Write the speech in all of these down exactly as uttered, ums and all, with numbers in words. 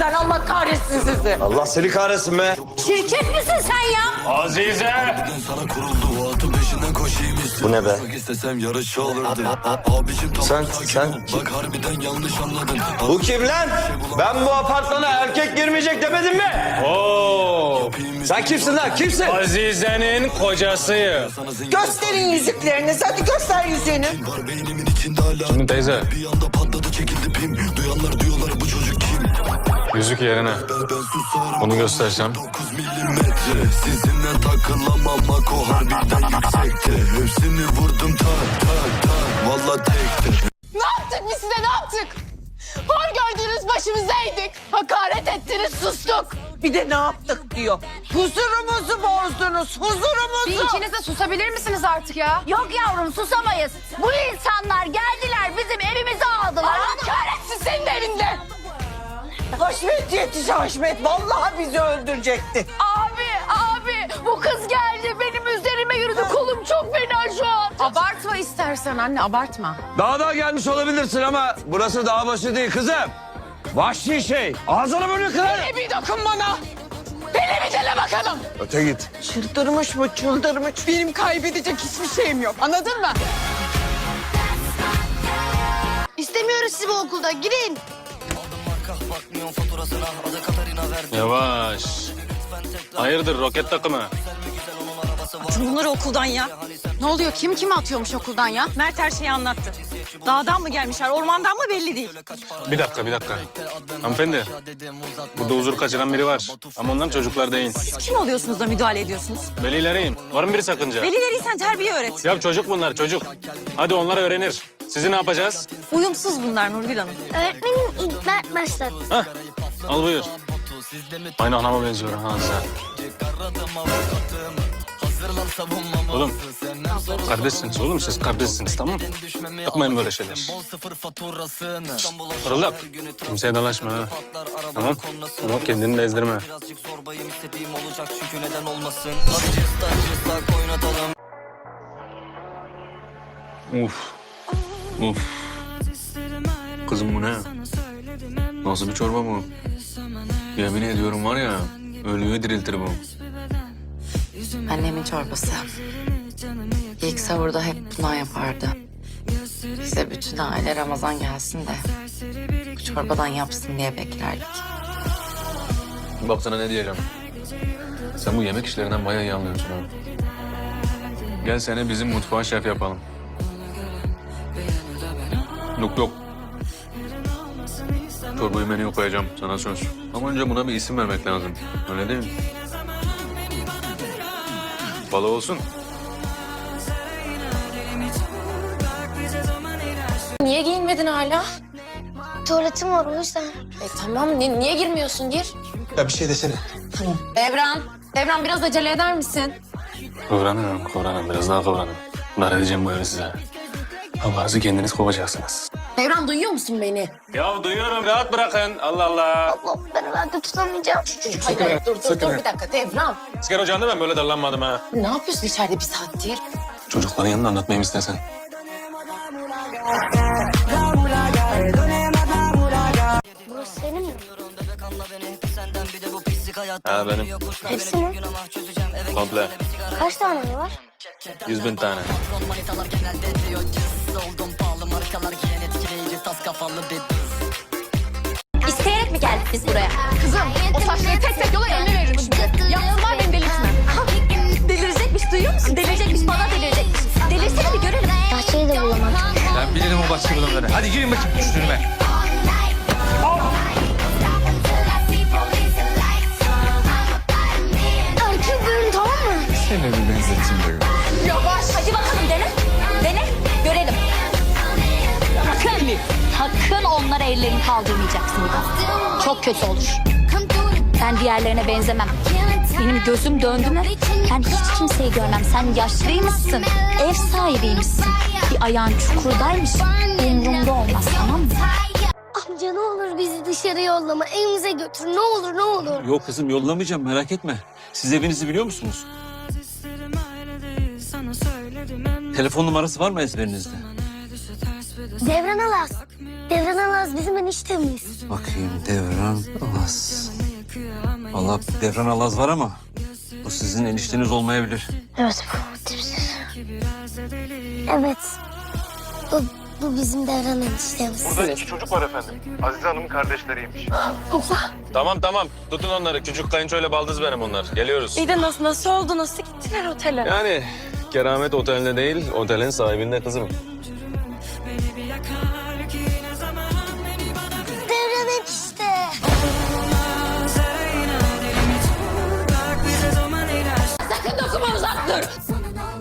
yüzünüzden. Allah kahretsin sizi. Allah seni kahretsin be. Şirket misin sen ya? Azize! Bu ne be? Sen, sen... Bu kim lan? Ben bu apartmana erkek girmeyecek demedim mi? Oo! Sen kimsin lan? Kimsin? Azize'nin kocasıyım. Gösterin yüzüklerinizi. Hadi göster yüzüğünü. Şimdi teyze. Yüzük yerine. Bunu göstersem. Sizinle takılamamak o harbiden yüksekte. Hepsini vurdum tak tak tak. Valla tekte. Ne yaptık biz size ne yaptık? Hor gördüğünüz başımıza eğdik. Hakaret ettiniz sustuk. Bir de ne yaptık diyor. Huzurumuzu bozdunuz. Huzurumuzu. Bir ikiniz de susabilir misiniz artık ya? Yok yavrum susamayız. Bu insanlar geldiler bizim evimizi aldılar. Allah kahretsin senin de evinde. Haşmet yetiş Haşmet. Vallahi bizi öldürecekti. Abi abi bu kız geldi benim üzerime yürüdü kolum çok fena şu an. Abartma istersen anne abartma. Dağda gelmiş olabilirsin ama burası dağ başı değil kızım. Vahşi şey. Ağzını bunu kırar. Hele bir dokun bana. Hele bir dele bakalım. Öte git. Çıldırmış mı çıldırmış. Benim kaybedecek hiçbir şeyim yok. Anladın mı? İstemiyoruz sizi bu okulda girin. Yavaş. Hayırdır roket takımı? Atın bunları okuldan ya. Ne oluyor? Kim kimi atıyormuş okuldan ya? Mert her şeyi anlattı. Dağdan mı gelmişler, ormandan mı belli değil. Bir dakika bir dakika. Hanımefendi. Burada huzur kaçıran biri var. Ama onların çocuklar değil. Siz kim oluyorsunuz da müdahale ediyorsunuz? Velileriyim. Var mı bir sakınca? Velileriysen terbiye öğret. Ya çocuk bunlar çocuk. Hadi onlar öğrenir. Sizi ne yapacağız? Uyumsuz bunlar Nurgül Hanım. Öğretmenim ilk Mert başladı. Hah. Al buyur. Aynı anama benziyor ha sen. Oğlum, kardeşsiniz oğlum siz kardeşsiniz tamam mı? Yapmayın böyle şeyler. Fırıldak, kimseye dalaşma ha. Tamam, tamam kendini de ezdirme. Uf, uf. Kızım bu ne? Nasıl bir çorba bu? Yemin ediyorum var ya, ölüyü diriltir bu. Annemin çorbası. İlk sahurda hep bundan yapardı. Bize bütün aile Ramazan gelsin de bu çorbadan yapsın diye beklerdik. Bak sana ne diyeceğim. Sen bu yemek işlerinden bayağı iyi anlıyorsun ha. Gel seni bizim mutfağa şef yapalım. Yok yok. Çorbayı menüye koyacağım sana söz. Ama önce buna bir isim vermek lazım. Öyle değil mi? Balı olsun. Niye giyinmedin hala? Tuvaletim var o yüzden. E tamam ni- niye girmiyorsun gir. Ya bir şey desene. Devran. Devran biraz acele eder misin? Kıvranın, kıvranın. Biraz daha kıvranın. Dar edeceğim bu evi size. Allah'ınızı kendiniz kovacaksınız. Devran duyuyor musun beni? Ya duyuyorum. Rahat bırakın. Allah Allah. Allah ben herhalde tutamayacağım. Hayır, hayır, dur dur dur bir dakika Devran. Asker ocağında ben böyle darlanmadım ha. Ne yapıyorsun içeride bir saattir? Çocukların yanında anlatmayayım istersen. Burası senin mi? Ha benim. Hepsi mi? Komple. Kaç tane var? Yüz bin tane. İsteyerek mi geldik biz buraya? Kızım o saçları tek tek yola eline veririm şimdi. Yapsınlar beni delirtme. Delirecekmiş duyuyor musun? Delirecekmiş bana delirecekmiş. Delirsene bir görelim. Bahçeyi de bulamadık. Ben bilirim o bahçe bulanları. Hadi girin bakayım üstüne. Erkek görün tamam mı? Seni bir benzeteyim de. Yavaş. Hadi bakalım dene. Dene. Görelim. Sakın. Sakın onlara ellerini kaldırmayacaksın. Çok kötü olur. Ben diğerlerine benzemem. Benim gözüm döndü mü? Ben hiç kimseyi görmem. Sen yaşlıymışsın. Ev sahibiymişsin. Bir ayağın çukurdaymış. Umurumda olmaz tamam mı? Amca ne olur bizi dışarı yollama. Evimize götür. Ne olur ne olur. Yok kızım yollamayacağım merak etme. Siz evinizi biliyor musunuz? Telefon numarası var mı ezberinizde? Devran Alas. Devran Alaz bizim eniştemiz. Bakayım Devran Alaz. Vallahi Devran Alaz var ama bu sizin enişteniz olmayabilir. Evet bu tipsiz. Evet. Bu, bu bizim Devran eniştemiz. Burada iki çocuk var efendim. Azize Hanım'ın kardeşleriymiş. Tamam tamam. Tutun onları. Küçük kayınçoyla baldız benim onlar. Geliyoruz. İyi de nasıl, nasıl oldu? Nasıl gittiler otele? Yani Keramet Oteli'nde değil, otelin sahibinde kızım. Devran enişte. Sakın dokunma, uzak dur.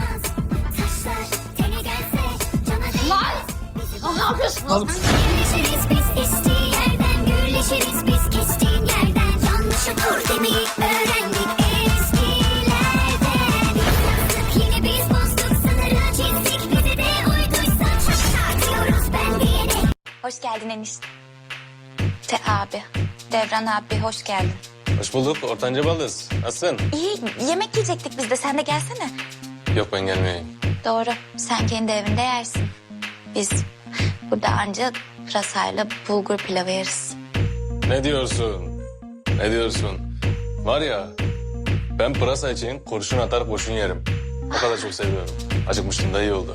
Lan! Ne yapıyorsun? Oğlum. Birleşiriz biz estiği yerden, gürleşiriz biz kestiğin yerden. Yanlışı dur demeyi öğrendik eskilerden. Yaptık yine biz bozduk, sınırı çizdik. Bize de uyduysa çatlar diyoruz ben diyene. Hoş geldin enişte. Te abi. Devran abi hoş geldin. Hoş bulduk. Ortanca baldız. Nasılsın? İyi yemek yiyecektik biz de sen de gelsene. Yok ben gelmeyeyim. Doğru sen kendi evinde yersin. Biz burada anca pırasayla bulgur pilavı yeriz. Ne diyorsun? Ne diyorsun? Var ya, ben pırasa için kurşun atar kurşun yerim. O kadar çok seviyorum. Acıkmıştım da iyi oldu.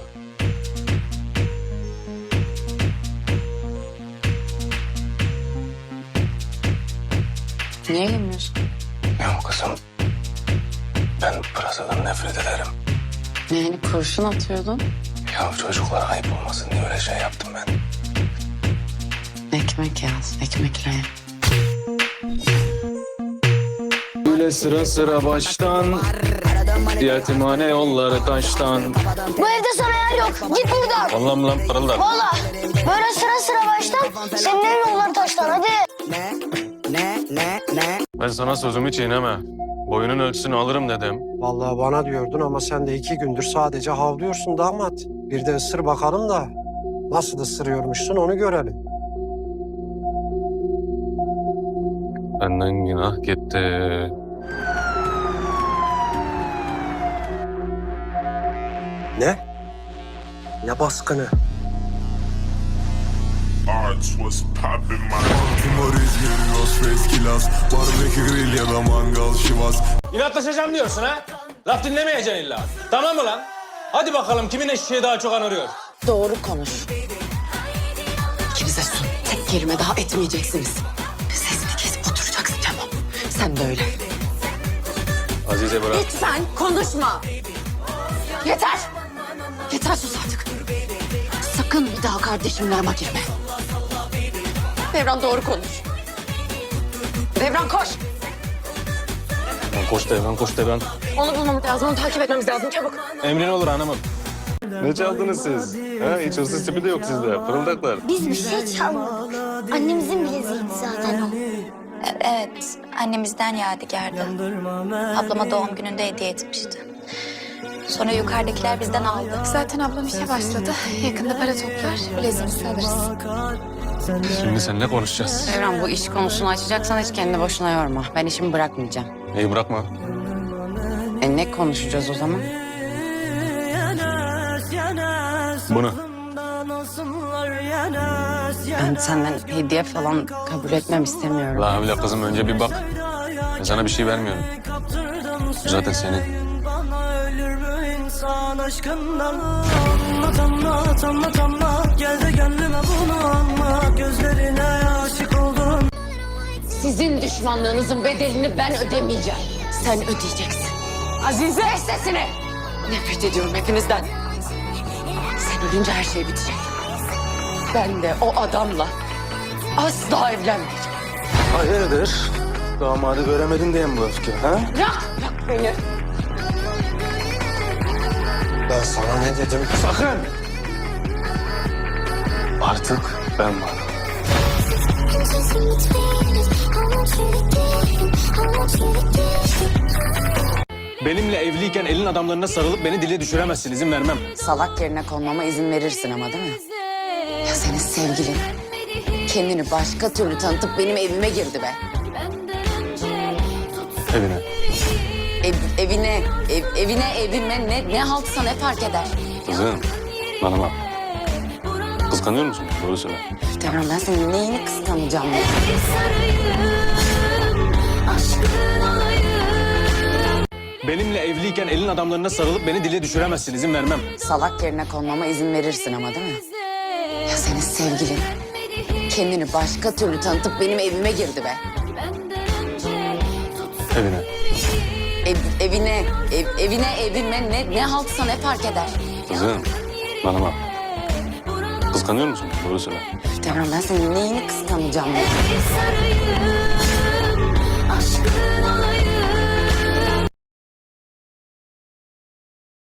Niye yemiyorsun? Ya kızım, ben pırasadan nefret ederim. Yani kurşun atıyordun. Ya çocuklara ayıp olmasın diye öyle şey yaptım ben. Ekmek yaz, ekmekle ye. Böyle sıra sıra baştan, yetimhane yolları taştan. Bu evde sana yer yok. Git buradan. Allah'ım lan pırıldar. Valla. Böyle sıra sıra baştan. Senin evin yolları taştan hadi. Ben sana sözümü çiğneme. Boyunun ölçüsünü alırım dedim. Vallahi bana diyordun ama sen de iki gündür sadece havlıyorsun damat. Bir de ısır bakalım da nasıl ısırıyormuşsun onu görelim. Benden günah gitti. Ne? Ne baskını? İnatlaşacağım diyorsun ha? Laf dinlemeyeceksin illa. Tamam mı lan? Hadi bakalım kimin eşeği daha çok anırıyor? Doğru konuş. İkinize su. Tek kelime daha etmeyeceksiniz. Sesini kesip oturacaksın tamam. Sen de öyle. Azize bırak. Lütfen konuşma. Yeter. Yeter sus artık. Sakın bir daha kardeşimle arama girme. Devran doğru konuş. Devran koş. Koş Devran, koş Devran. Onu bulmamız lazım, onu takip etmemiz lazım çabuk. Emrin olur hanımım. Ne çaldınız siz? Ha, hiç hırsız tipi de yok sizde. Pırıldaklar. Biz bir şey çalmadık. Annemizin bileziğiydi zaten o. E- Evet annemizden yadigardı. Ablama doğum gününde hediye etmişti. Sonra yukarıdakiler bizden aldı. Zaten ablam işe başladı. Yakında para toplar, bileziğimizi alırız. Şimdi seninle konuşacağız. Devran bu iş konusunu açacaksan hiç kendini boşuna yorma. Ben işimi bırakmayacağım. İyi bırakma. E ne konuşacağız o zaman? Bunu. Ben senden hediye falan kabul etmem istemiyorum. La havle kızım önce bir bak. Ben sana bir şey vermiyorum. Bu zaten senin. Sizin düşmanlığınızın bedelini ben ödemeyeceğim. Sen ödeyeceksin. Azize! Kes sesini! Nefret ediyorum hepinizden. Sen ölünce her şey bitecek. Ben de o adamla asla evlenmeyeceğim. Hayırdır? Damadı göremedin diye mi bu öfke ha? Bırak! Bırak beni! Ben sana ne dedim? Sakın! Artık ben varım. Benimle evliyken elin adamlarına sarılıp beni dile düşüremezsin. İzin vermem. Salak yerine konmama izin verirsin ama değil mi? Ya senin sevgilin kendini başka türlü tanıtıp benim evime girdi be. Evine. Ev, evine, ev, evine, evime ne, ne haltsa ne fark eder? Kızım, bana bak. Kıskanıyor musun? Doğru söyle. Devran ben senin neyini kıskanacağım ya? Benimle evliyken elin adamlarına sarılıp beni dile düşüremezsin. İzin vermem. Salak yerine konmama izin verirsin ama değil mi? Ya senin sevgilin kendini başka türlü tanıtıp benim evime girdi be. Evine. Ev, evine, ev, evine, evime ne, ne haltsa ne fark eder? Kızım, bana bak. Kıskanıyor musun? Doğru söyle. Devran ben senin neyini kıskanacağım ya? Aşkın olayım.